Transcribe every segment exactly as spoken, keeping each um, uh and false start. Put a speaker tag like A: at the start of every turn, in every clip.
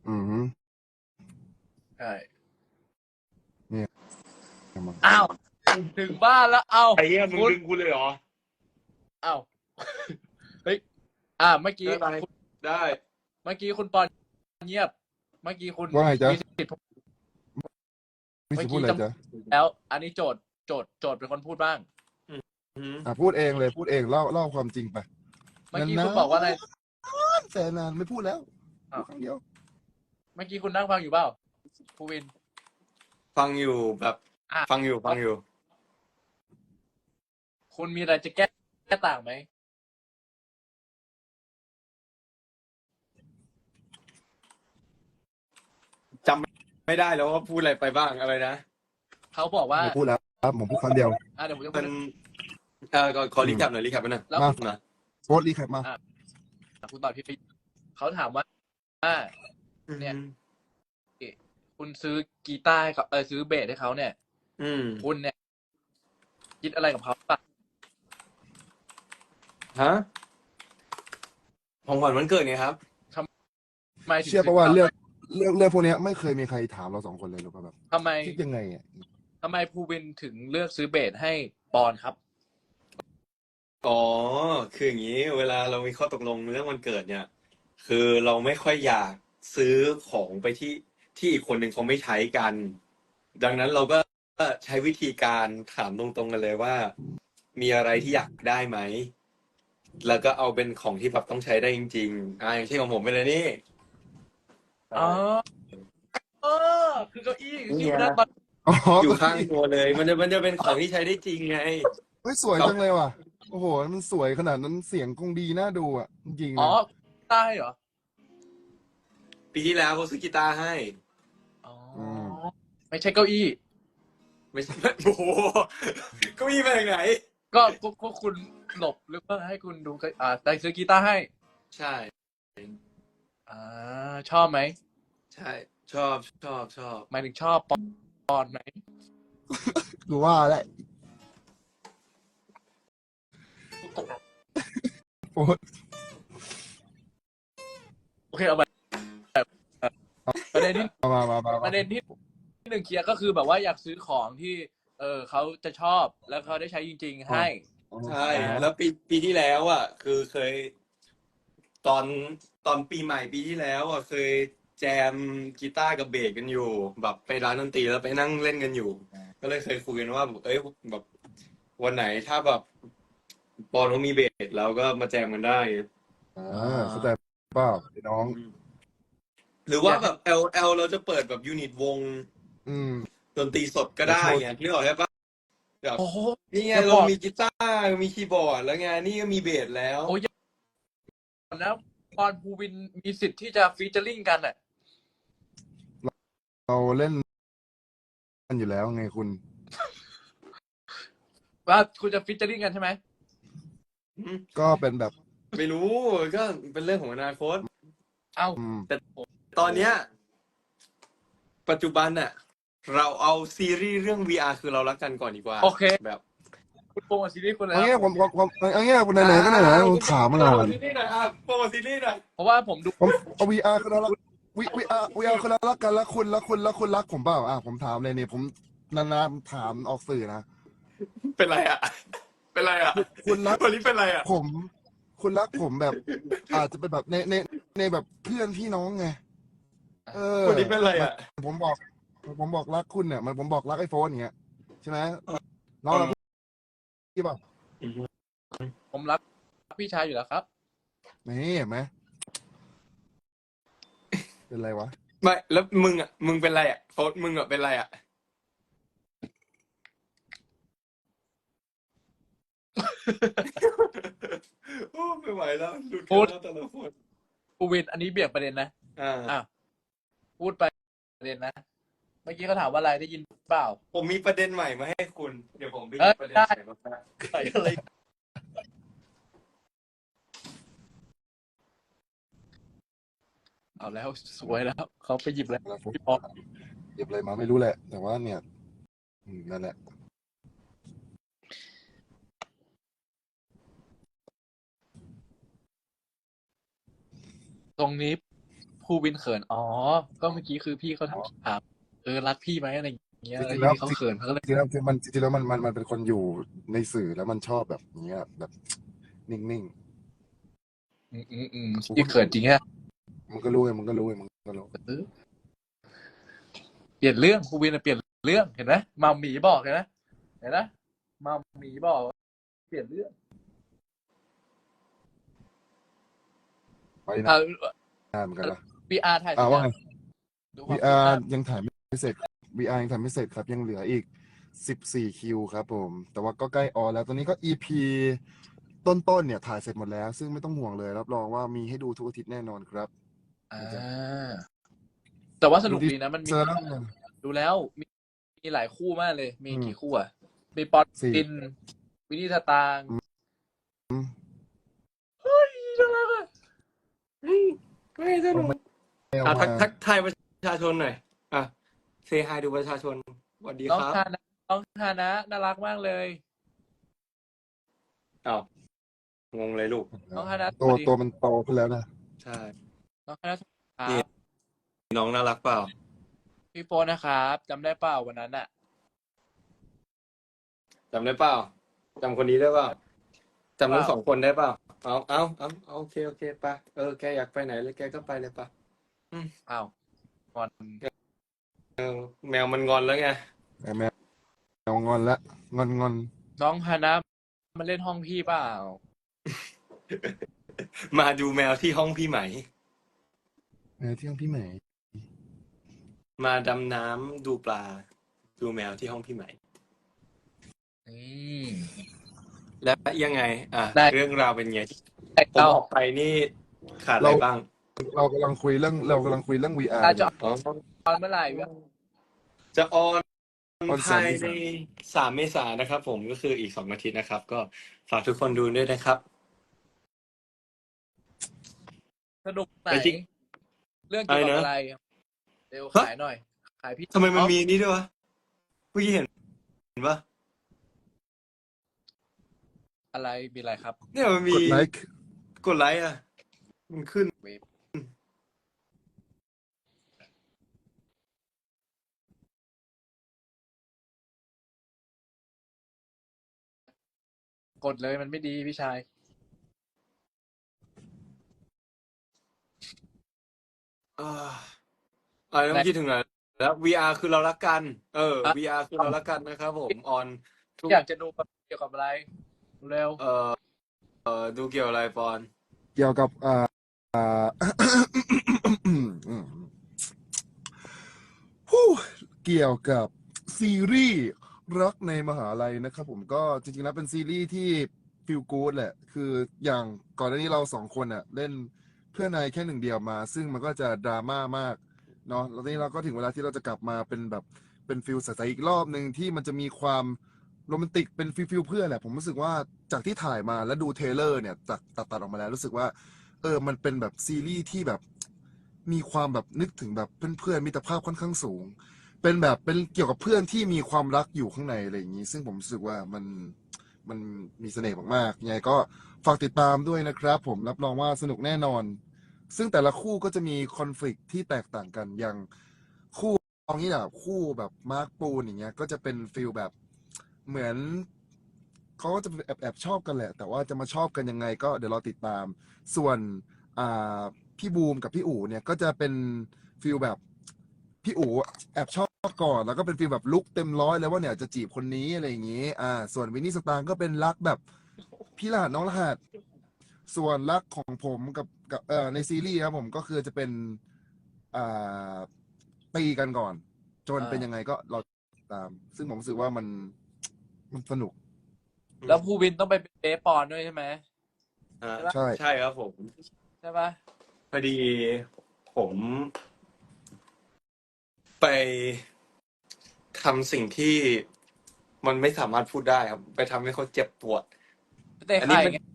A: อืม
B: ใช่
A: เนี่ยมา
B: อ้าวถึงบ้านแล้วเอา
C: ไอ้เหี้ยมึง
B: คุณ
C: ดึงกูเลยเหรอ
B: อ้าวเฮ้ยอ่าเมื่อกี้
C: ได้ไหม
B: คุณ
C: ได้
B: เมื่อกี้คุณปอนเงียบ เมื่อกี้คุณ
A: ว่าไงจ๊ะ
B: มีสิทธิ์
A: มี
B: เมื่
A: สิ
B: อ
A: พูด
B: กี้
A: อะไร
B: จำ
A: จ๊ะ
B: แล้ว อันนี้โจทย์โจทย์โจทย์เป็นคนพูดบ้าง
C: อืม
A: อ่ะพูดเองเลยพูดเองเล่าเล่าความจริงไป
B: เมื่อกี้
A: นานๆ
B: คุณบอกว่าอะไร
A: แสนนานไม่พูดแล้ว
B: อ้าว
A: พูดครั้งเดียว
B: เมื่อกี้คุณนั่งฟังอยู่เปล่าภูวิน
C: ฟังอยู่แบบ
B: อ่ะ
C: ฟังอยู่ฟังอยู่
B: คุณมีอะไรจะแก้แก้ต่างไหม
C: จำไม่ได้แล้วว่าพูดอะไรไปบ้างอะไรนะ
B: เขาบอกว่า
A: ไม่พูดแล้วครับผมพูดครั้งเดียว
B: อ่าเดี๋ยวผมจะพู
C: มั
B: ด
C: นเอ่อขอรีแคปหน่อยรีแคปไปหน่อย
B: แล้ว
A: มา
B: คุณ
C: นะ
A: โค้ดรีแคปมา
B: อ่ะคุณตอบพี่เขาถามว่าอ่า เนี่ย คุณซื้อกีตาร์ให้เขาเออซื้อเบสให้เขาเนี่ย
C: อืม
B: คุณเนี่ย คิดอะไรกับเขาป่ะ
C: ฮะของขวัญวันเกิดไงครับ
B: ทำไมถึง
A: เชื่อ
B: ซื้
A: ปะว่าเรื่องเรื่องเรื่องพวกเนี้ยไม่เคยมีใครถามเราสองคนเลยหรือเปล่าแบบ
B: ทำไม
A: คิดยังไงอ่ะ
B: ทำไมภูวินถึงเลือกซื้อเบสให้ปอนครับ
C: อ๋อ คืออย่างนี้ เวลาเรามีข้อตกลงเรื่องวันเกิดเนี่ย คือเราไม่ค่อยอยากซื้อของไปที่ที่อีกคนหนึ่งเขาไม่ใช้กัน ดังนั้นเราก็ใช้วิธีการถามตรงๆกันเลยว่า มีอะไรที่อยากได้ไหม แล้วก็เอาเป็นของที่แบบต้องใช้ได้จริงๆอ่าอย่างเช่นของผมเป็นอะไรนี่
B: อ๋อเออคือเก้าอี้ที่คุณนั่งตอน
A: อ๋อ
C: อยู่ข้างตัวเลย มันจะมันจะเป็นของที่ใช้ได้จริงไง
A: เฮ้ยสวยจังเลยว่ะโอ้โหมันสวยขนาดนั้นเสียงคงดีน่าดูอ่ะจริงๆ
B: อ๋อ
A: นะ
B: ใต้เหรอ
C: ปีที่แล้วเขาซื้อกีตาร์ให้
B: อ๋อ
A: อืม
B: ไม่ใช่เก้าอี้
C: ไม่ใช่ โอ้โหเก็มีมาจากไหน
B: ก็ก็ก็คุณหลบหรือว่าให้คุณดูอ่าแต่ซื้อกีตาร์ให้
C: ใช่
B: อ่า ชอบไหม
C: ใช่ ชอบชอบชอบ
B: หมายถึงชอบปอนปอนไหม
A: กูว่าแหละโอ้ย
B: โอเคเอาไปประเด็นที่
A: มามามามา
B: ประเด็นที่หนึ่งเคลียร์ก็คือแบบว่าอยากซื้อของที่ เออเขาจะชอบแล้วเขาได้ใช้จริง ๆ ให้
C: ใช่ แล้วปีปีที่แล้วอ่ะ คือเคย ตอนตอนปีใหม่ปีที่แล้วอ่ะเคยแจมกีตาร์กับเบสกันอยู่ แบบไปร้านดนตรีแล้วไปนั่งเล่นกันอยู่ ก็เลยเคยคุยกันว่า เอ้ยแบบวันไหนถ้าแบบปอนเขามีเบสแล้วก็มาแจมกันได้
A: อ่าเข้าใจเปล่าไอ้น้อง
C: หรือว่าแบบ L L เราจะเปิดแบบยูนิตวง
A: อืม
C: ดนตรีสดก็ได้ไงนึกออกใช่ปะแบบ
B: โอ้โห
C: นี่ไง
B: จะบ
C: เรา
B: อก
C: มีกีตาร์มีคีย์บอร์ดแล้วไงนี่ก็มีเบสแล้ว
B: โอ้ยนะปอนภูวินมีสิทธิ์ที่จะฟีเจอริ่งกันอ่ะ
A: เราเล่นกันอยู่แล้วไงคุณ
B: ว่าคุณจะฟีเจอริ่งกันใช่ไหม
A: ก็เป็นแบบ
C: ไม่รู้ก็เป็นเรื่องของอนาคต
B: เอ้า
A: อืม
C: ตอนเนี้ยปัจจุบันน่ะ เราเอาซีรีส์เรื่อง วี อาร์ คือเรารักกันก่อนดีกว่า
B: โอเค
C: แบบ
B: คุณโปรโมทซีรีส์คุณแล้
A: เอา
B: ว
A: งี้ผมผมผมเอางี้คุณไหนๆก็ไหนๆผมถามมา
C: โปร
A: นาน
C: โมทซีรีส์หน่อยอ่ะโปรโมทซีรีส์หน่อย
B: เพราะว่าผมดู
A: ผมเอา วี อาร์ คือเรารักวีวีอาร์วีอาร์คือเรารักกันแล้วคุณแล้วคุณแล้วคุณรักผมเปล่าอ่ะผมถามเลยเนี่ยผมนานๆถามออกสื่อนะ
C: เป็นไรอ่ะ เป็นไรอ่ะ
A: คุณรัก
C: วันนี้เป็นไรอ่ะ
A: ผม คุณรักผมแบบ อาจจะเป็นแบบในในในแบบเพื่อนพี่น้องไงเออ
C: วันนี้เป็นไรอ่ะ
A: ผมบอก ผมบอกรักคุณเนี่ยมันผมบอกรักไอโฟนอย่างเงี้ยใช่ไหมน้องรักพี่เปล่า
B: ผมรักพี่ชายอยู่แล้วครับ
A: นี่เห็นไหมเป็นไรวะ
C: ไม่แล้วมึงอ่ะมึงเป็นไรอ่ะโฟนมึงอ่ะเป็นไรอ่ะ โอ้ไม่ไหวแล้วหลุดกันแล้วแต่ละคน
B: ภูวินอันนี้เบี่ยงประเด็นนะ
C: อ่า
B: อ่ะพูดไปประเด็นนะ เมื่อกี้เขาถามว่าอะไรได้ยินเปล่า
C: ผมมีประเด็นใหม่มาให้คุณ เดี๋ยวผมไปห
B: เอ้
C: ยิ
B: ย
C: บประเด็น
B: ได้
C: ใหม่มา
B: ใส่อะไรเอาแล้วสวยแล้วเขาไปหยิบแล้ว
A: แล้วผม
B: พี่ป๊อป
A: เก็บอะไรมาไม่รู้แหละ แต่ว่าเนี่ยอืมนั่นแหละ
B: ตรงนี้ภูวินเขินอ๋อก็เมื่อกี้คือพี่เขาถามเออรักพี่ไหมอะไรอย่างเงี้ย
A: จ
B: แล้ว
A: ริงๆ
B: ที
A: แล้ว
B: นี้เขาเขินเขาก็เลย
A: จริงๆแล้วมันจริงๆแล้วมันมันมันเป็นคนอยู่ในสื่อแล้วมันชอบแบบเนี้ยแบบนิ่ง
B: อืมอืมอืมพี่เขินจริงฮะ
A: ๆมึงก็รู้ไงมึงก็รู้ไงมึงก็รู้
B: เออเปลี่ยนเรื่องภูวินอะเปลี่ยนเรื่องเห็นไหมมัมหมีบอกเห็นไหมเห็นไหมมัมหมีบอกเปลี่ยนเรื่อง
A: ไป
B: อ่า
A: นานเหมือนกันนะ
B: วีอาร์ถ่ายเส
A: อ่า
B: ร็จ
A: ว่า
B: ยัง
A: ไง
B: ดูความ
A: วี
B: คื
A: อา
B: บหน้า
A: ร์ ยังถ่ายไม่เสร็จ วี อาร์ ยังถ่ายไม่เสร็จครับยังเหลืออีกสิบสี่คิวครับผม แต่ว่าก็ใกล้ออนแล้วตอนนี้ก็ อี พี ต้นๆเนี่ยถ่ายเสร็จหมดแล้ว ซึ่งไม่ต้องห่วงเลยรับรองว่ามีให้ดูทุกอาทิตย์แน่นอนครับ
B: อ่าแต่ว่าสนุก
A: ดู
B: ดีนะมันมี
A: เจอแล้วไง
B: ดูแล้วมีมีหลายคู่มากเลย มี
A: อืม
B: กี่คู่อ่ะ มีปอน
A: สี่
B: ติน วินนี่สตางค์
A: อืม
B: เฮ้ยน่ารักอ่ะ
C: เฮ้ยไม่สนุก
A: ไม่เอา
C: อ่ะทั
A: มาก
C: ทักทายประชาชนหน่อยอ่ะเซฮายดูประชาชนสวัสดี
B: น้อง
C: ครับ
B: ฮานะน้องฮานะน่ารักมากเลย
C: อ้าวงงเลยลูก
B: น้องฮานะ
A: ตัว
B: สวัสดี
A: ตัวมันโตขึ้นแล้วนะ
C: ใช่
B: น้องฮานะค
C: นี่
B: รับ
C: น้องน่ารักเปล่า
B: พี่โฟนนะครับจำได้เปล่าวันนั้นอ่ะ
C: จำได้เปล่าจำคนนี้ได้เปล่าจำทั้งสองคนได้เปล่าเอาเอาเอาเอาโอเคโอเคไปเออแกอยากไปไหนเลยแกก็ไปเลยปะ
B: อ้าวงอน
C: แมวมันงอนแล้วไง
A: แมวแมวแมวงอนละงอนงอน
B: น้องฮานะมาเล่นห้องพี่เปล่า
C: มาดูแมวที่ห้องพี่ไหม
A: แมวที่ห้องพี่ใหม่
C: มาดำน้ำดูปลา ดูแมวที่ห้องพี่ไหม
B: อืม
C: แล้วยังไง อ่ะ
B: ได้
C: เรื่องราวเป็นไง
B: แต่
C: ผม
B: เรา
C: ออกไปนี่ขาดอะไร
A: เรา
C: บ้าง
A: เรากำลังคุยเรื่องเรากำลังคุยเรื่อง วี อาร์
B: อาจจะ
C: อ๋อ
B: ตอนเมื่อไหร่วะ
C: จะออน
A: ออนสา
C: ภาม ย
A: เม
C: ใน
A: ษา
C: สามเมษายนนะครับผมก็คืออีกสองอาทิตย์นะครับ ก็ฝากทุกคนดูด้วยนะครับ
B: สนุกไหน
C: ไปที่
B: เรื่องเกี่ยวกับ
C: อะไรนะ
B: อะไรเร็ว
C: ฮะ
B: ขายหน่อย ขายพี่
C: ทำไมมัน
B: อ๋อ
C: มีนี่ด้วยวะเมื่อกี้เห็นเห็นปะ
B: อะไรมีอะไรครับ
C: เนี่ยมันมี
A: กดไลค์
C: กดไลค์อ่ะ มันขึ้น
B: เว็บกดเลยมันไม่ดีพี่ชาย
C: อ่าอ่าต้องคิดถึงไหนแล้ว วี อาร์ คือเรารักกัน เออ
B: อ่ะ
C: วี อาร์ คือเรารักกันนะครับผมออนทุก
B: อยากจะดูเกี่ยวกับอะไรเร็ว
C: เอ่อเอ่อดูเกี่ยวอะไรปอน
A: เกี่ยวกับอ่าอ่า ฮู้เกี่ยวกับซีรีส์รักในมหาลัยนะครับผมก็จริงๆแล้วเป็นซีรีส์ที่ฟีลกู๊ดแหละ คืออย่างก่อนหน้านี้เราสองคนอ่ะ เล่นเพื่อนนายแค่หนึ่งเดียวมา ซึ่งมันก็จะดราม่ามากเนาะแล้วทีนี้เราก็ถึงเวลาที่เราจะกลับมาเป็นแบบเป็นฟิลใสๆอีกรอบหนึ่งที่มันจะมีความโรแมนติกเป็นฟิลฟิลเพื่อนแหละ ผมรู้สึกว่าจากที่ถ่ายมาแล้วดูเทรลเลอร์เนี่ยตัดตัดตัดออกมาแล้วรู้สึกว่า เออ มันเป็นแบบซีรีส์ที่แบบมีความแบบนึกถึงแบบเพื่อนๆมิตรภาพค่อนข้างสูง เป็นแบบเป็นเกี่ยวกับเพื่อนที่มีความรักอยู่ข้างในอะไรอย่างนี้ ซึ่งผมรู้สึกว่ามันมันมีเสน่ห์มากๆยังไงก็ฝากติดตามด้วยนะครับ ผมรับรองว่าสนุกแน่นอน ซึ่งแต่ละคู่ก็จะมีคอน FLICT ที่แตกต่างกันอย่างคู่เอางี้แบบคู่แบบมาร์คปูนอย่างเงี้ยก็จะเป็นฟิลแบบเหมือนเขาก็จะแอบแอบชอบกันแหละ แต่ว่าจะมาชอบกันยังไงก็เดี๋ยวเราติดตาม ส่วนอ่าพี่บูมกับพี่อู๋เนี่ยก็จะเป็นฟิลแบบพี่อู๋แอบชอบก่อนแล้วก็เป็นฟิลแบบลุกเต็มร้อยแล้วว่าเนี่ยจะจีบคนนี้อะไรอย่างงี้อ่าส่วนวินนี่สตางค์ก็เป็นรักแบบพี่รหัสน้องรหัสส่วนรักของผมกับกับเอ่อในซีรีส์ครับผมก็คือจะเป็นอ่าตีกันก่อน จน
B: อ่า
A: เป็นยังไงก็เราติดตาม ซึ่งผมรู้สึกว่ามันมันสนุก
B: แล้วภูวินต้องไปเป็นเบสปอนด้วยใช่ไหม
C: อ่า
A: ใช่
C: ใช่ครับผม
B: ใช่ปะ
C: พอดีผมไปทำสิ่งที่มันไม่สามารถพูดได้ครับ ไปทำให้เขาเจ็บปวด
B: เตะ
C: อันนี้
B: ไข่
C: เป็น
B: ไง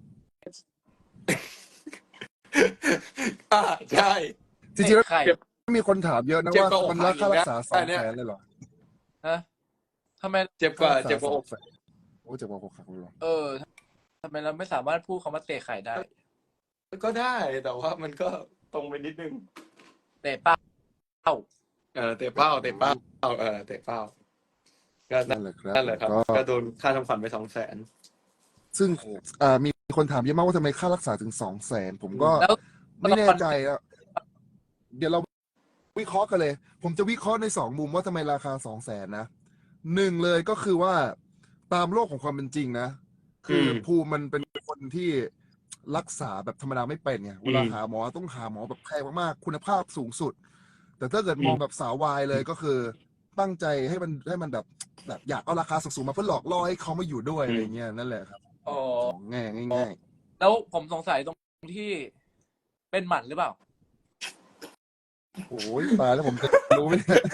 C: อ่าใช่
A: จริงๆแล้ว
B: เตะไข่
A: มีคนถามเยอะนะ
C: เจ็บ
A: ว่าก
C: ว่าอก
A: มัน
C: หั
A: รั
C: ก
A: ก
C: อี
A: ค่าก รั
C: นะ
A: กษาสอง
C: อันเนี้ย
A: แสนเลยเหรอ
B: ฮะทำไม
C: เจ็บกว่า
A: ค่ารักษา
C: เจ็บกว่า
A: ส
C: อ
A: อง
C: ก
A: แสนโอ้เจ็บกว่าอกหักเลยเหรอ
B: เออทำไมเราไม่สามารถพูดคำว่าเตะไข่ได้
C: ก็ได้ แต่ว่ามันก็ตรงไปนิดนึง
B: เตะเป้า
C: เออเตะเป้าเตะเป้าเออเตะเป้าก็นั่
A: นั่
C: น
A: นแหละครับ
C: นั่นแหละครับ
A: ก็
C: ก็โดนค่าทำขวัญไปสองแสน
A: ซึ่งอ่ามีคนถามเยอะมากว่าทำไมค่ารักษาถึงสองแสนผมก็
B: แล้ว
A: ไม่แน่ใจอะเดี๋ยวเราวิเคราะห์กันเลย ผมจะวิเคราะห์ในสองมุมว่าทำไมราคาสองแสนนะหนึ่งเลยก็คือว่าตามโลกของความเป็นจริงนะ คืออ
C: ม
A: ภูมิมันเป็นคนที่รักษาแบบธรรมดาไม่เป็นไงเวลา
C: อืม
A: หาหมอต้องหาหมอแบบแพงมากๆคุณภาพสูงสุด แต่ถ้าเกิด
C: อืม
A: มองแบบสาววายเลยก็คือตั้งใจให้มันให้มันแบบแบบอยากเอาราคาสูงๆมาเพื่อหลอกล่อให้เขามาอยู่ด้วยอะไรเงี้ยนั่นแหละครับ
B: อ๋อ
A: ของง่ายง่าย
B: แล้วผมสงสัยตรงที่เป็นหมันหรือเปล่า
A: ๆโอ้ยตายแล้วผมจะรู้ไหมเนี่ย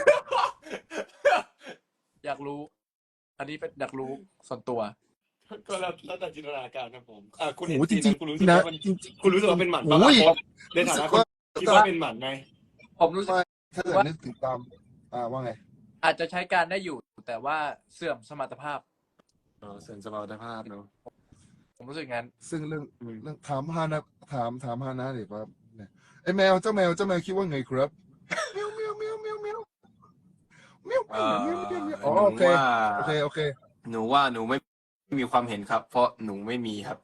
B: อยากรู้ อันนี้เป็นอยากรู้ส่วนตัว
C: ก็แล้วแล้วแต่จินตนาการครับผมอ่ะคุณ
A: โอ้
C: เห็น
A: โหจ
C: ซีน
A: ริ
C: นั้
A: ง
C: นคุณรู้สึก
A: ๆนะ
C: ว่ามัน
A: จริง
C: คุณรู้สึกว่าเป็นหมัน
A: ๆ
C: ปะ
A: โอ้
C: ล่ะ
A: ย
C: เพราะในฐานะ
A: รู้สึก
C: คน
A: ว่า
C: คิดว่าเป็นหมันไหม
B: ผมรู้สึก
A: ไม่ถ้าเกิด
B: ว่า
A: นึกถึงตามอ่าว่าไง
B: อาจจะใช้การได้อยู่ แต่ว่าเสื่อมสมรรถภาพ
C: เออเสื่อมสมรรถภาพเนอะ
B: ผมรู้สึกงั้น
A: ซึ่งเรื่อง
C: อืม
A: เรื่องถามฮานะถามถามฮานะดิครับเนี่ยไอแมวเจ้าแมวเจ้าแมวคิดว่าไงครับเมียวเมียวเมียวเมียวเมียวเมียว
C: เอ่
A: เมียวเมียวเมียว
C: อ
A: อ๋อ
C: หนู
A: โอเค
C: ว่า
A: โอเคโอเค
C: หนูว่าหนูไม่มีความเห็นครับ เพราะหนูไม่มีครับ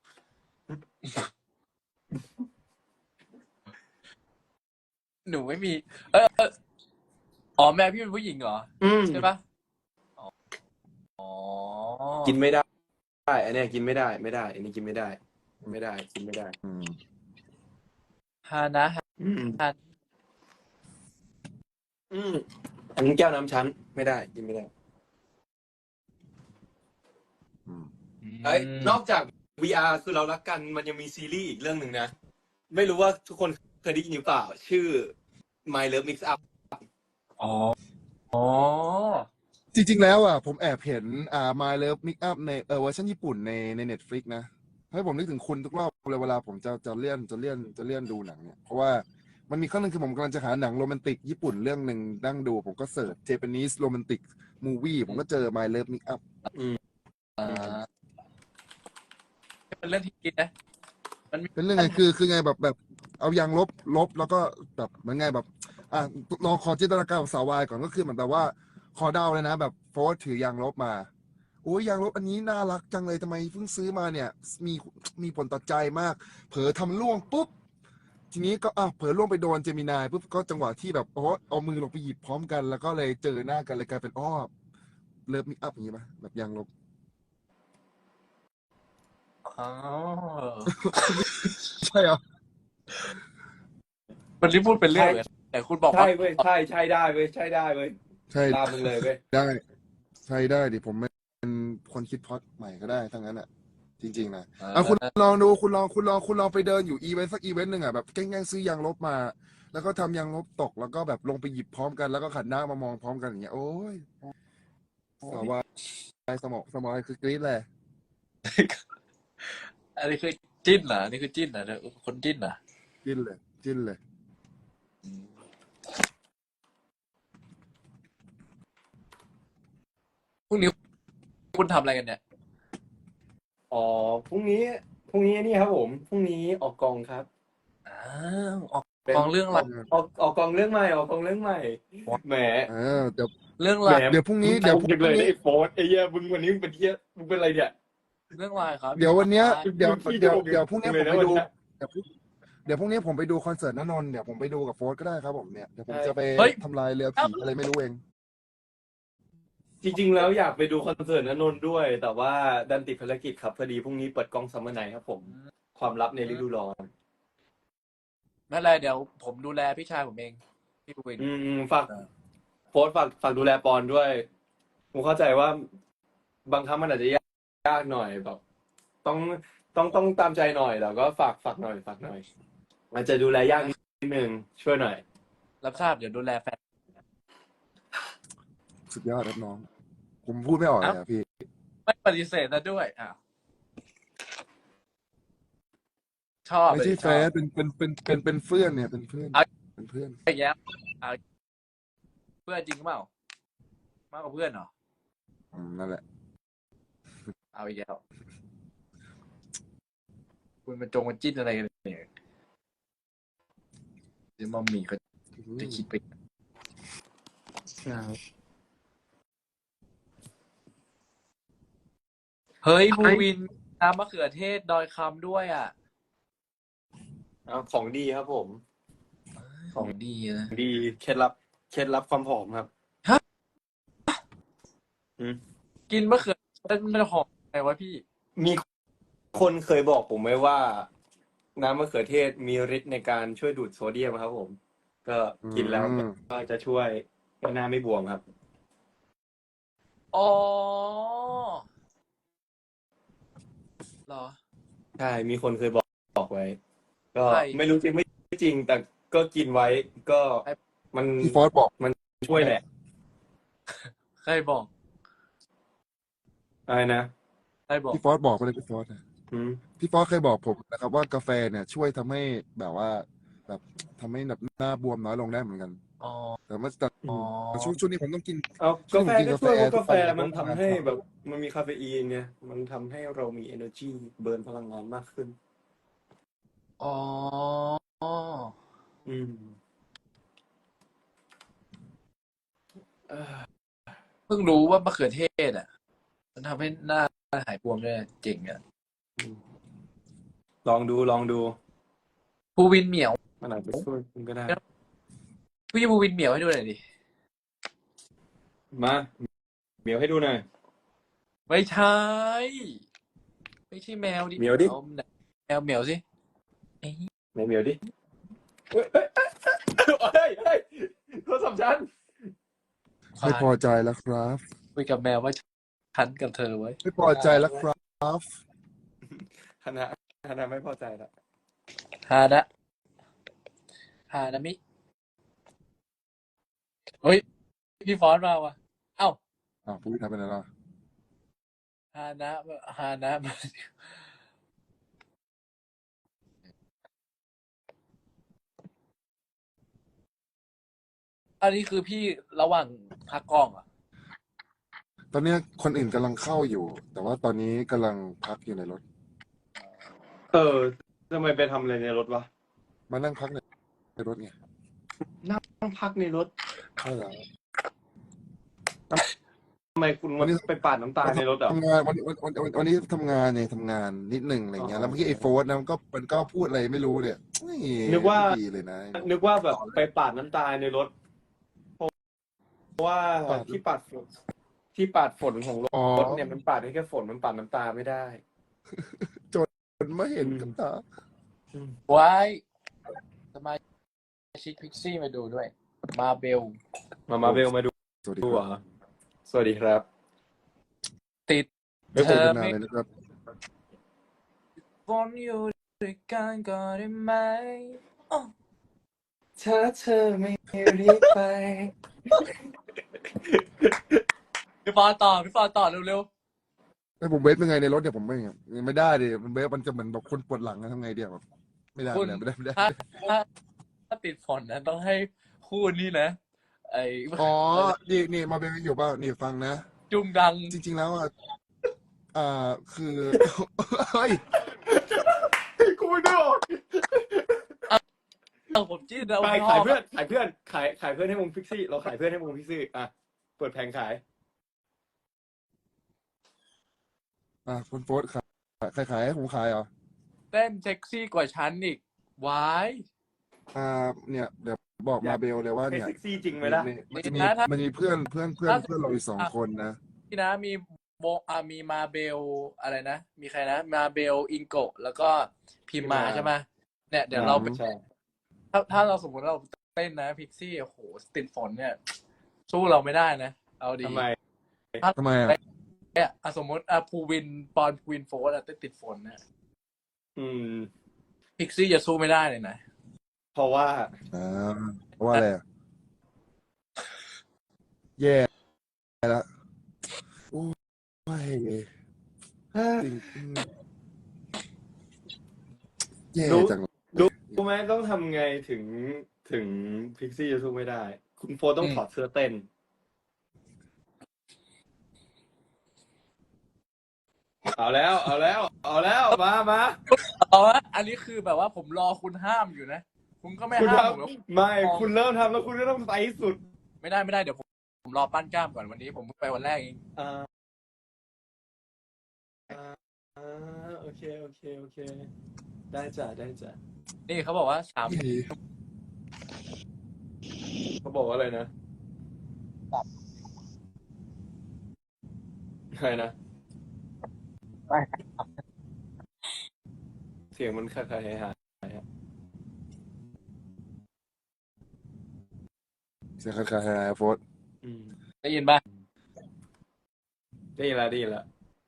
B: หนูไม่มี เออเอออ๋อแม่พี่เป็นผู้หญิงเหรอ
C: อืม
B: ใช่ปะอ๋ออ๋อ
C: กินไม่ได้ได้อันเนี้ยกินไม่ได้ไม่ได้ อันนี้กินไม่ได้ ไม่ได้กินไม่ได้
A: อืม
B: ฮานะฮา
C: อืม
B: ฮา
C: อืมอันนี้แก้วน้ำชั้นไม่ได้กินไม่ได้
A: อืม
C: เอ้ยนอกจาก วี อาร์ คือเรารักกันมันยังมีซีรีส์อีกเรื่องหนึ่งนะ ไม่รู้ว่าทุกคนเคยได้ยินหรือเปล่า ชื่อ My Love Mix Up
B: อ๋อ อ๋อ
A: จริงๆแล้วอ่ะผมแอบเห็นอ่า My Love Mix Up ในเออเวอร์ชันญี่ปุ่นในใน Netflix นะให้ผมนึกถึงคุณทุกรอบเลยเวลาผมจะจะเลื่อนจะเลื่อนจะเลื่อนดูหนังเนี่ยเพราะว่ามันมีครั้งหนึงคือผมกำลังจะหาหนังโรแมนติกญี่ปุ่นเรื่องหนึ่งนั่งดู ผมก็เสิร์ช Japanese Romantic Movie ผมก็เจอ My Love Mix Up
C: อืม
B: อ่าเป็นเรื่องที่คิดนะ มันมี
A: เป็นเรื่องไงคือคือไงแบบแบบเอายางลบลบแล้วก็แบบเหมือนไงแบบอ่ะลองขอจินตนาการของสาววายก่อนก็คือเหมือนแบบว่าขอเดาเลยนะ แบบโฟร์ถือยางลบมาโอ้ยยางลบอันนี้น่ารักจังเลยทำไมเพิ่งซื้อมาเนี่ย มีมีผลต่อใจมาก เผลอทำล่วงปุ๊บ ทีนี้ก็อ่ะเผลอล่วงไปโดนเจมินายปุ๊บก็จังหวะที่แบบโอ้เอามือลงไปหยิบพร้อมกัน แล้วก็เลยเจอหน้ากันเลยกลายเป็นอ้อเลิฟมิกอัพอย่างนี้ปะแบบยางลบ
B: อ๋อ
A: ใช่เหรอ
B: มันรีบพูดเป็นเรื่องเลย แต่คุณบอก
C: ใช่
B: ว่า
C: เว้ยใช่ใช่ได้เว้ยใช่ได้เว้ย
A: ใช่
C: ตามมึงเลยเว้ย
A: ได้ใช่ได้ดิผมเป็นคนคิดพล็อตใหม่ก็ได้ทั้งนั้นอ่ะ จริงๆนะอ่ะคุณลองดูคุณลองคุณลองคุณลองไปเดินอยู่อีเวนต์สักอีเวนต์หนึ่งอ่ะแบบแกล้งๆซื้อยางลบมา แล้วก็ทำยางลบตกแล้วก็แบบลงไปหยิบพร้อมกันแล้วก็ขันหน้ามามองพร้อมกันอย่างเงี้ยโอ้ยสาววายสมองสมองคือกรี๊ดเลย
B: อันนี้คือจิ้นเหรออันนี้คือจิ้นเหรอคนจิ้นเหรอ
A: จิ้นเลยจิ้นเลย
B: พรุ่งนี้คุณทำอะไรกันเนี่ย
C: อ๋อพรุ่งนี้พรุ่งนี้นี่ครับผมพรุ่งนี้ออกกองครับ
B: อ้าวออก
C: เป็น
B: กองเรื่องอะไร
C: ออกออกกองเรื่องใหม่ออกกองเรื่องใหม่แหม
A: เออเดี๋ยว
B: เรื่อง
C: แห
B: อะไร
C: ม
A: เดี๋ยวพรุ่งนี้
C: มึ
A: เดี๋ยว
C: ต
A: พ
C: รง
A: รุ่
C: จังเลย
A: ง
C: นะ
A: นี้
C: ไอ้โฟร์ไอ้เหี้ยมึงวันนี้มึงเป็นเหี้ยมึงเป็นอะไรเนี่ย
B: เรื่องอะไรครับ
A: เดี๋ยววันเนี้ยเดี๋ยว
C: มึงขี้
A: เดี๋ยว
C: โกง
A: เดี๋ยวพรุ่งนี้
C: เล
A: ผ
C: ย
A: ม
C: นะ
A: ไปดู
C: วันเนี้ย
A: เดี๋ยวพรุ่งเดี๋ยวพรุ่งนี้ผมไปดูคอนเสิร์ตณนนท์เดี๋ยวผมไปดูกับโฟร์ก็ได้ครับผมเนี่ยเดี๋ยวผมจะไปทำลายเรือผีอะไรไม่รู้เอง
C: จริงๆแล้วอยากไปดูคอนเสิร์ตณนนท์ด้วย แต่ว่าดันติดภารกิจครับพอดีพรุ่งนี้เปิดกล้องซัมเมอร์ไนท์ครับผม ความลับในฤดูร้อน
B: ไม่เป็นไรเดี๋ยวผมดูแลพี่ชายผมเองพี่วิน
C: อืมฝากโฟร์ฝากฝากดูแลปอนด้วยผมเข้าใจว่า บางครั้งมันอาจจะยากยากหน่อยแบบต้องต้องต้องตามใจหน่อยแล้วก็ฝากฝากหน่อยฝากหน่อยอาจจะดูแลยากนิดนึงช่วยหน่อย
B: รับทราบเดี๋ยวดูแลแฟน
A: สุดยอดครับน้อง ผมพูดไม่ออกเลยอ่ะพี่
B: ไม่ปฏิเสธนะด้วยอ้าวชอบ
A: ไม่ใช่แฟนเป็นเป็นเป็นเป็นเป็นเพื่อนเนี่ยเป็นเพื่อนเป็นเพื่อน
B: ไอ้แย้มเอาเพื่อนจริงหรือเปล่ามากกว่าเพื่อนเหรอ
A: อืมนั่นแหละ
B: เอาอีกแล้วคุณมาจงมาจิ้นอะไรกันเนี่ยเดี๋ยวมัมมี่เขาจะคิดไป
C: ใช่
B: เฮ้ยภูวินน้ำมะเขือเทศดอยคำด้วยอ่ะ
C: เอาของดีครับผม
B: ของดีนะ
C: ดีเคล็ดลับเคล็ดลับความหอมครับ
B: ฮะ
C: อืม
B: กินมะเขือเทศมันหอมไงวะพี่
C: มีคนเคยบอกผมไว้ว่า น้ำมะเขือเทศมีฤทธิ์ในการช่วยดูดโซเดียมครับผม ก็กินแล้ว
A: อืม
C: ก็จะช่วยให้หน้าไม่บวมครับ
B: อ๋อเหรอ
C: ใช่ มีคนเคยบอกบอกไว้ ก็
B: ใช่
C: ไม่รู้จริงไม่จริง แต่ก็กินไว้ ก็มัน
A: พี่ฟอสบอก
C: มันช่วยแหละ
B: ใครบอก
C: อะไรนะ
B: ใครบอก
A: พี่ฟอสบอกไปเลยพี่ฟอสนะ
C: อืม
A: พี่ฟอสเคยบอกผมนะครับว่ากาแฟเนี่ยช่วยทำให้แบบว่าแบบทำให้แบบหน้าบวมน้อยลงได้เหมือนกัน
B: อ๋อ
A: แต่เมื่อแต่
B: อ๋อ
A: ช่วงช่วงนี้ผมต้องกิน
C: เอา
A: ช่ว
C: กาง แฟ
A: นี้ผมกิน
C: ก็ช่วยเพราะ
A: ทุ
C: กาแฟ
A: วั
C: มันทำให้
A: เพราะ
C: แบบมันมีคาเฟอีนไงมันทำให้เรามี energy เบิร์นพลังงานมากขึ้น
B: อ๋อ
C: อืมเอ่อ
B: เพิ่งรู้ว่ามะเขือเทศอ่ะ มันทำให้หน้าหายบวมได้เจ๋งอ่ะ
C: อืมลองดูลองดู
B: ภูวินเหมียว
C: มันอาจจะช่วยคุณก็ได้
B: พี่ภูวินเหมียวให้ดูหน่อยดิ
C: มาเหมียวให้ดูหน่อย
B: ไม่ใช่ ไม่ใช่แมวดิ
C: เหมียวดิ
B: อาแมวเหมียวสิเอ้ย
C: ไหนเหมียวดิเฮ้ยเฮ้ยเฮ้ยเฮ้ยโทรศัพท์ฉัน
A: ไม่พอใจแล้วครับ
B: คุยกับแมวว่าฉันกับเธอไว้
A: ไม่พอใจแล้วครับ
C: ฮานะฮานะไม่พอใจละ
B: ฮานะฮานามิ เฮ้ย พี่ฟอนต์มาว่ะ เอ้า
A: อ้าวพูดทำเป็นอะไรล่ะ
B: ฮานะฮานะมาอันนี้คือพี่ระหว่างพักกล้องอ่ะ
A: ตอนเนี้ยคนอื่นกำลังเข้าอยู่ แต่ว่าตอนนี้กำลังพักอยู่ในรถ
C: เออทำไมไปทำอะไรในรถวะ
A: มานั่งพักในในรถไง
C: นั่งพักในรถ
A: ใช่แล้ว
C: ทำไมคุณ
A: วันนี้
C: ไปปาดน้ำตาในรถเหรอ
A: ทำงานวันวันวันวันวันนี้ทำงานเนี่ยทำงานนิดหนึ่งอะไรเงี้ยแล้วเมื่อกี้ไอ้โฟร์นะมันก็มันก็พูดอะไรไม่รู้เนี่ยเฮ้ย
C: นึกว่า
A: ไม่ดีเลยนะ
C: นึกว่าแบบไปปาดน้ำตาในรถ เพราะว่าที่ปาดฝนที่ปาดฝนของร
A: อ๋อ
C: ถเนี่ยมันปาดได้แค่ฝนมันปาดน้ำตาไม่ได้
A: มันไม่เห็นกับตา
B: ไว้สมาชิกพิกซี่มาดูด้วย มาเบล
C: มามาเบลมาดู
A: สวัสดี
C: ดู
A: ค
C: เหร
A: รับ
C: อสวัสดีครับ
B: ติด
A: ไม่
B: เธ
A: คุย
B: อ
A: กันนาน
B: ไม่
A: เลยนะครับ
B: ฝนอยู่ด้วยกันก็ได้ไหมอ้อ
C: ถ้าเธอไม่รีบไป
B: พี่ฟอนต่อพี่ฟอนต่อเร็ว
A: ไอ้ผมเวฟเป็นไงในรถเนี่ยผมไม่ไม่ได้ดิมันเวฟมันจะเหมือนแบบคนปวดหลังนะทำไงเดียวแบบไม่ได้
B: ๆคุณ
A: ไม่ได้ไม่ได้
B: ถ้า
A: ไม่ได้
B: ถ้าถ้าติดฝนนะต้องให้คู่นี้นะ ไอ้
A: อ๋อนี่นี่มาเบลอยู่เปล่านี่ฟังนะ
B: จุงดัง
A: จริง ๆ แล้วอ่ะอ่าคือ เฮ้ย
C: กูไม่ได้ออก
B: เอาผมจิ้นนะ
C: ไป
B: ผมช
C: ขาย
B: อบ
C: เพื่อนขายเพื่อนขายขายเพื่อนให้วงพิกซี่ เราขายเพื่อนให้วงพิกซี่อ่ะเปิดแผงขาย
A: อ่ะคุณโฟร์ขายขายขายให้ผมขายเหรอ
B: เต้นเซ็กซี่กว่าฉันอีกวาย
A: อ่าเนี่ยเดี๋ยวบอกมาเบลเลยว่า
C: ให้
A: เนี่ย
C: เซ็กซี่จริงไหมล่ะ
A: มีมันจะมีมันมีเพื่อนเพื่อนเพื่อนเพื่อนเราอยู่สองคนนะ
B: พี่นะมีโบอ่ามีมาเบลอะไรนะ มีใครนะ มาเบลอิงโกะแล้วก็พิมมาใช่ไหมเนี่ยเดี๋ยวเราไป
C: ใช่
B: ถ้าถ้าเราสมมติเราเต้นนะพิกซี่โอ้โหติดฝนเนี่ย สู้เราไม่ได้นะ เอาดี
C: ทำไม
A: ทำไมอ่ะ
B: เนี่ยอ่ะสมมติอ่ะภูวินปอนภูวินโฟร์อ่ะเต้นติดฝนเนี่ย
C: อืม
B: พิกซี่จะสู้ไม่ได้เลยนะ
C: เพราะว่า
A: อ่าเพราะว่าอะไรอ่ะแย่แล้วโอ้ยจริงแย่จังเลย
C: รู้ไหมต้องทำไงถึงถึงพิกซี่จะสู้ไม่ได้ คุณโฟร์ต้อง
B: อืม
C: ถอดเสื้อเต้น เอาแล้ว เอาแล้ว เอาแล้ว มามา
B: เอาละอันนี้คือแบบว่าผมรอคุณห้ามอยู่นะคุณก็ไม่
C: คุณ
B: ห้าม
C: ท
B: ผมแล้ว
C: ำไม่คุณเริ่มทำแล้วคุณก็ต้องไปให้สุด
B: ไม่ได้ไม่ได้เดี๋ยวผมผมรอปั้นกล้ามก่อนวันนี้ผมเพิ่งไปวันแรกเอง
C: อ่าอ่าอ่าโอเคโอเคโอเค ได้จ้ะได้จ้ะ
B: นี่เขาบอกว่าสาม
A: พี่
C: เขาบอกว่าอะไรนะอะไรนะ
B: ไม่
C: เสียงมันคล้ายๆหายๆอะ
A: เสียงคล้ายๆโฟร์
C: อืม
B: ได้ยินป่ะ
C: ได้ยินแล้วได้ยินแล้ว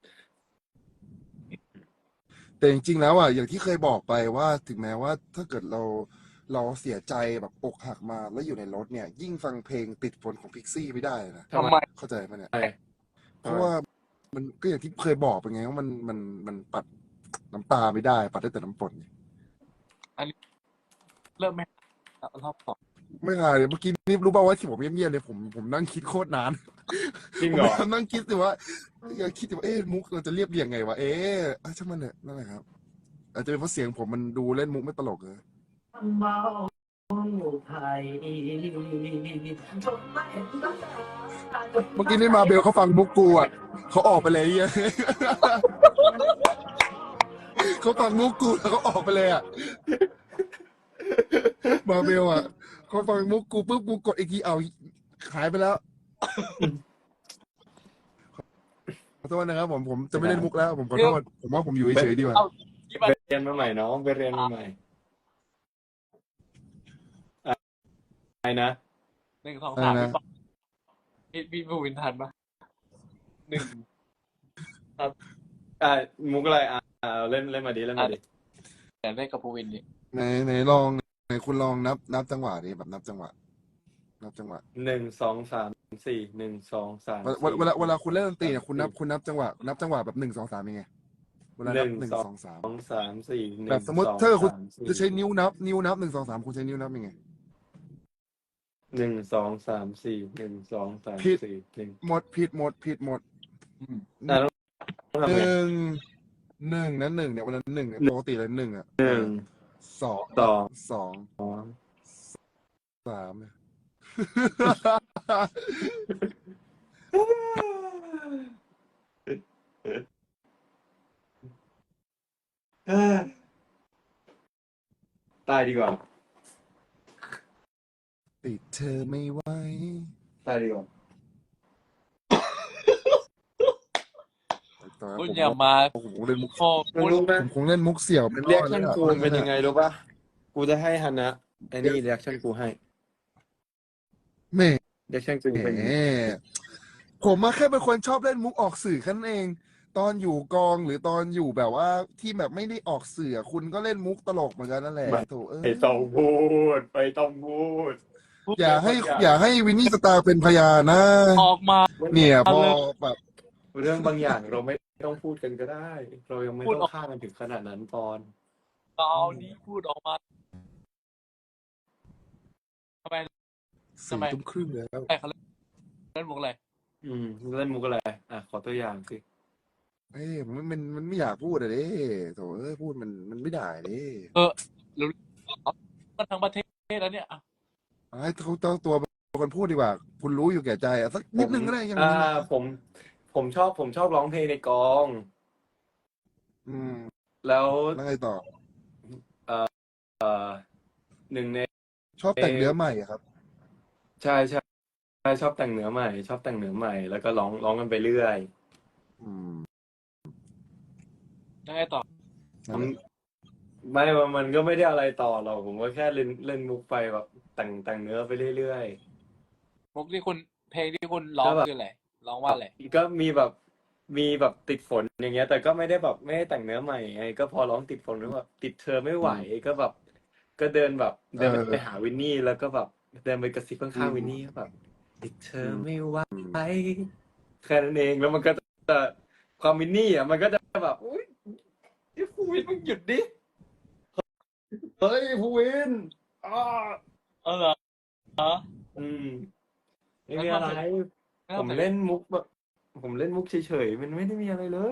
A: แต่จริงๆแล้วอ่ะอย่างที่เคยบอกไปว่าถึงแม้ว่าถ้าเกิดเราเราเสียใจแบบอกหักมาแล้วอยู่ในรถเนี่ย ยิ่งฟังเพลงติดฝนของพิกซี่ไม่ได้นะ
C: ทำ
B: ทำ
C: ไม
B: ไม
A: เข้าใจไหมเนี่ย
C: ทำไม
A: เพราะว่ามันก็อย่างที่เคยบอกไปไงว่ามันมันมันปัดน้ำตาไม่ได้ ปัดได้แต่น้ำฝน
B: เริ่มไหมรอบสอง
A: ไม่ค่ะเลยเมื่อกี้นี่รู้ป่าวว่าที่ผมเงียบๆเลยผมผมนั่งคิดโคตรนาน
C: จริง
A: ผม
C: เหรอ
A: พยายามนั่งคิดสิว่าอยากคิดสิว่าเอ๊ะมุกเราจะเรียบเรียงไงวะเอ๊ะอ่ะช่างมันเถอะนั่นแหละครับ อาจจะเป็นเพราะเสียงผมมันดูเล่นมุกไม่ตลกเลย
D: เมาไทย
A: เมื่อกี้นี่มาเบลเขาฟังมุกกูอ่ะเขาออกไปเลยเหี้ย เขาฟังมุกกูแล้วเขาออกไปเลยอ่ะ มาเบลอ่ะเขาฟังมุกกูปุ๊บกูกดอีกทีเอาหายไปแล้ว ขอโทษนะครับผมผมจะไม่เล่นมุกแล้ว ผมขอโทษผมว่าผมอยู่เฉยๆดีกว่า
B: ที่
C: ไป
B: มัน
C: เรียนมาใหม่น้องไปเรียนมาใหม่อะไรนะ
B: หนึ่งสอง
A: อะไร
B: สาม
A: นะ
B: พี่พี่พี่บูวินทันปะหนึ่ง
C: อ่ามุกอะไรอ่าอ่าเล่นเล่นมาดิเล่นมาดิ
B: แต่เล่นกับบูวินดิ
A: ไหนไหนลองไหนคุณลองนับนับจังหวะดิแบบนับจังหวะ นับจังหวะ
C: หนึ่งสองสามสี่หนึ่งสองสาม
A: เวลา
C: สี่
A: เวลาเวลาคุณเล่นดนตรีเนี่ยคุณนับคุณนับจังหวะนับจังหวะแบบหนึ่งสองสามยังไงเวลานับหนึ่งสองสาม
C: สองสามสี่หนึ่ง
A: แบบสมมติ
C: อง
A: ถ้าคุณ
C: สามสี่
A: จะใช้นิ้วนับ นิ้วนับหนึ่งสองสามคุณใช้นิ้วนับยังไง
C: หนึ่งสองสามสี่หนึ่งสองสาม
A: ผิด
C: สี่หนึ่ง
A: หมดผิดหมดผิดหมด
B: อืม
C: อ่ะต้องทำ
A: ห
C: ไง
A: นึ่งหนึ่งนะหนึ่งเนี่ยวันนั้นหนึ่งเนี่ยปกติเลยหนึ่งอ่ะ
C: หนึ่ง
A: สอง
C: สอง
A: สอง
C: สอง
A: สามเนี่ย
C: เอ้ยตายดีกว่า
A: ติดเธอไม่ไหว
C: ตายดีกว่า
A: ตอนนั้น
B: คุณ
A: ผม
B: อย่ามา
A: ผมคงเล่นมุก
B: โอ้
C: มึง
B: คุณ
C: รู้ไหม
A: ผมคงเล่นมุกเสี่ยวเป็น
C: เรียก
A: รอด
C: ชั่น
A: แล้ว
C: กู
A: อะ
C: เป็นยังไงรู้ป่ะ กูจะให้ฮันนะไอ้นี่เรียกชั่นกูให้
A: แหม่
C: เรียกชั่นกูเป็น
A: ผมมาแค่เป็นคนชอบเล่นมุกออกสื่อแค่นั้นเอง ตอนอยู่กองหรือตอนอยู่แบบว่าที่แบบไม่ได้ออกสื่อคุณก็เล่นมุกตลกเหมือนกันนั่นแหละโถเอ้ย
C: ไปต้องพูดไปต้องพูด
A: อย่าให้อย่าให้วินนี่สตาร์เป็นพยานนะ
B: ออกมา
A: เนี่ยพอ
B: เอาเลย
A: แบบ
C: เรื่องบางอย่างเราไม่ต้องพูดกันก็ได้ เรายังไม่
B: พูด
C: ต้อ
B: ออก
C: งฆ่ากันถึงขนาดนั้นปอน
B: เอานี้พูดออกมาทำไม
A: สี่ทุ่มครึ่งแล้ว
B: ใครเขาเล่นเล่นมุกอะไร
C: อืมเล่นมุกอะไรอ่ะขอตัวอย่างสิ
A: เอ้ยมันมันมันไม่อยากพูดอะเด้โถเอ้ยพูดมันมันไม่ได้เด้
B: เออรู้กันทั้งประเทศแล้วเนี่ยอ่ะ
A: ให้เขาเจ้าตัวเป็นคนพูดดีกว่า คุณรู้อยู่แก่ใจอะสักนิดนึงก็ได้ยัง
C: อ่า ผม ผมชอบผมชอบร้องเพลงในกอง
A: อืม
C: แล้ว
A: แล้วไงต่อ
C: เอ่อหนึ่งใน
A: ชอบแต่งเนื้อใหม่อะครับ
C: ใช่ใช่ใช่ชอบแต่งเนื้อใหม่ ชอบแต่งเนื้อใหม่ แล้วก็ร้องร้องกันไปเรื่อย
A: อืม
B: ยังไงต่อ
A: นั่นแหละ
C: ไม่ว่ามันก็ไม่ได้อะไรต่อหรอกผมก็แค่เล่นเล่นมุกไปแบบแต่งแต่งเนื้อไปเรื่อย
B: มุกที่คุณเพลงที่คุณร้องคืออะไรร้องว่าอะไร
C: ๆก็มีแบบมีแบบติดฝนอย่างเงี้ย แต่ก็ไม่ได้แบบไม่ได้แต่งเนื้อใหม่ไงก็พอร้องติดฝนแล้วแบบติดเธอไม่ไหวก็แบบ ก็เดินแบบเดินไปหาวินนี่แล้วก็แบบเดินไปกระซิบข้างๆวินนี่แบบติดเธอไม่ไหวแค่นั้นเองแล้วมันก็จะความวินนี่อ่ะมันก็จะแบบอุ้ยที่ภูวินมึงหยุดดิเฮ้ยภูวินอ้า
B: เออเหรอเหรอ
C: อืมไม่มีอะไร ผมเล่นมุกแบบผมเล่นมุกเฉยๆมันไม่ได้มีอะไรเลย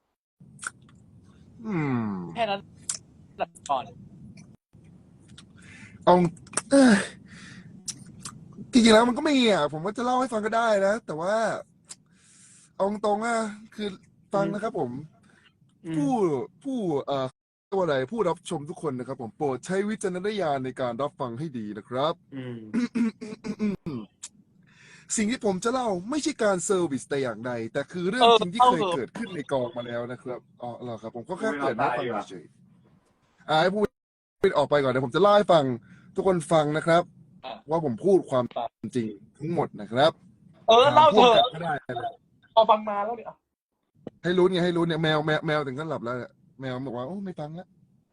A: อืม
B: แค่นั้นก่อน
A: เอาเอ้ยจริงๆแล้วมันก็ไม่อ่ะผมก็จะเล่าให้ฟังก็ได้นะ แต่ว่าเอาตรงๆอ่ะคือฟังนะครับผม
C: อืม
A: ผู้ผู้เอ่อตัวอะไรผู้รับชมทุกคนนะครับผมโปรดใช้วิจารณญาณในการรับฟังให้ดีนะครับ
C: อืม
A: สิ่งที่ผมจะเล่าไม่ใช่การเซอร์วิสแต่อย่างใด แต่คือเรื่อ
B: เอง อ
A: จริงที่
B: เล่า
A: เคย
B: เถอะ
A: เกิดขึ้นในกองมาแล้วนะครับอ๋อเหรอครับ ผมก็
C: พู
A: แค่
C: ด
A: เกริดให้
C: เราตาย
A: ฟัง
C: ดีกว่า
A: เฉยๆอ่าให้พูดออกไปก่อนเดี๋ยวผมจะเล่าให้ฟังทุกคนฟังนะครับ
B: อ่ะ
A: ว่าผมพูดความจริงทั้งหมดนะครับ
B: เออ
A: ถาม
B: เล่า
A: พ่
B: เถ
A: วง
B: อะ
A: กับก็ได้นะ
B: พอฟังมาแล้วเนี่ย
A: ให้รู้เนี่ยให้รู้เนี่ยแมวแมวแมวถึงขั้นหลับแล้วเนี่ยแมวบอกว่าโอ้ไม่ฟังแล้ว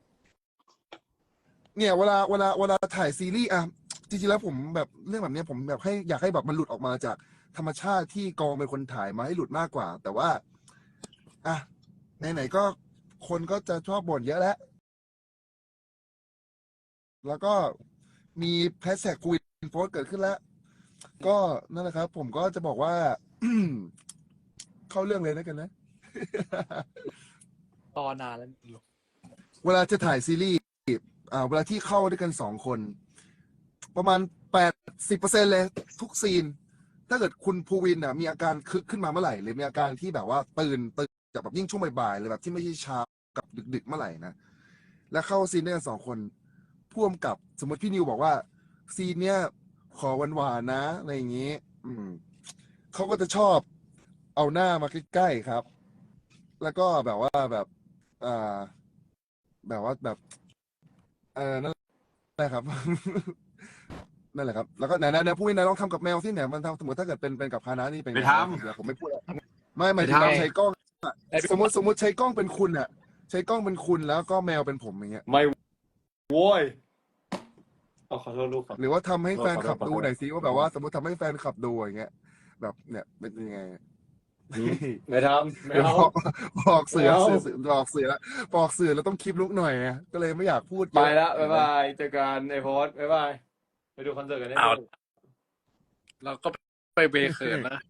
A: เนี่ยเวลาเวลาเวลาถ่ายซีรีส์อ่ะจริงๆแล้วผมแบบเรื่องแบบเนี้ยผมแบบให้อยากให้แบบมันหลุดออกมาจากธรรมชาติที่กองเป็นคนถ่ายมาให้หลุดมากกว่า แต่ว่าอ่ะไหนๆก็คนก็จะชอบบ่นเยอะแล้ว แล้วก็มีแฮชแท็กคุยโพสต์เกิดขึ้นแล้ว ก็นั่นแหละครับ ผมก็จะบอกว่า เข้าเรื่องเลยนะกันนะ
B: ตอนนานแล้ว
A: เวลาจะถ่ายซีรีส์อ่าเวลาที่เข้าด้วยกันสองคน ประมาณแปดสิบเปอร์เซ็นเลย ทุกซีน ถ้าเกิดคุณภูวินอ่ะมีอาการคึกขึ้นมาเมื่อไหร่ หรือมีอาการที่แบบว่าตื่นตื่นจากแบบยิ่งช่วงบ่ายๆเลยแบบที่ไม่ใช่เช้ากับดึกๆเมื่อไหร่นะ แล้วเข้าซีนด้วยกันสองคนพ่วงกับสมมติพี่นิวบอกว่า ซีนเนี้ยขอหวานๆนะอะไรอย่างนี้ อืมเขาก็จะชอบเอาหน้ามาใกล้ๆครับ แล้วก็แบบว่าแบบอ่าแบบว่าแบบเออนั่นแหละครับ นั่นแหละครับ แล้วก็ไหนๆไหนพูดไหนลองทำกับแมวที่ไหนมันทำสมมติถ้าเกิดเป็นเป็นกับคานะนี่เป็น
C: ไป
A: ไง
C: ท
A: นะเดี๋ยวผมไม่พูดแล้วไม่หมาย
C: ไป
A: ถึงเรา
C: ทำ
A: ใช้กล้องอะ
B: ไอ้
A: สมมติสมมติใช้กล้องเป็นคุณอะใช้กล้องเป็นคุณแล้วก็แมวเป็นผมอย่างเงี้ย
C: ำไม่โว้ยเอาขอโทษลูกครับ
A: หรือว่าทำให้
C: ขอ
A: แฟน
C: ขอโท
A: คลั
C: ษ
A: บ
C: ขอ
A: ดู
C: โทษ
A: หน่อยสิว่าแบบว่า สมมติทำให้แฟนคลับดูอย่างเงี้ย แบบเนี่ยเป็นยังไง
C: อืมไม่ทำไม่
A: เดี๋ยว
C: เอา
A: บอกบอกเสือ
C: ไม่เอา
A: เสือเสือบอกเสือบอกเสือแล้วต้องคลิปลุกหน่อยไงก็เลยไม่อยากพูดเย
C: ไป
A: อะ
C: ละ
A: เห็
C: บ๊าน ย
A: ไหม
C: บายเจอกันไอโพสบ๊ายบาย ไปดูคอนเสิร์ตกันได้
B: เอา
C: เลย
B: เราก็ไปเบเขินนะ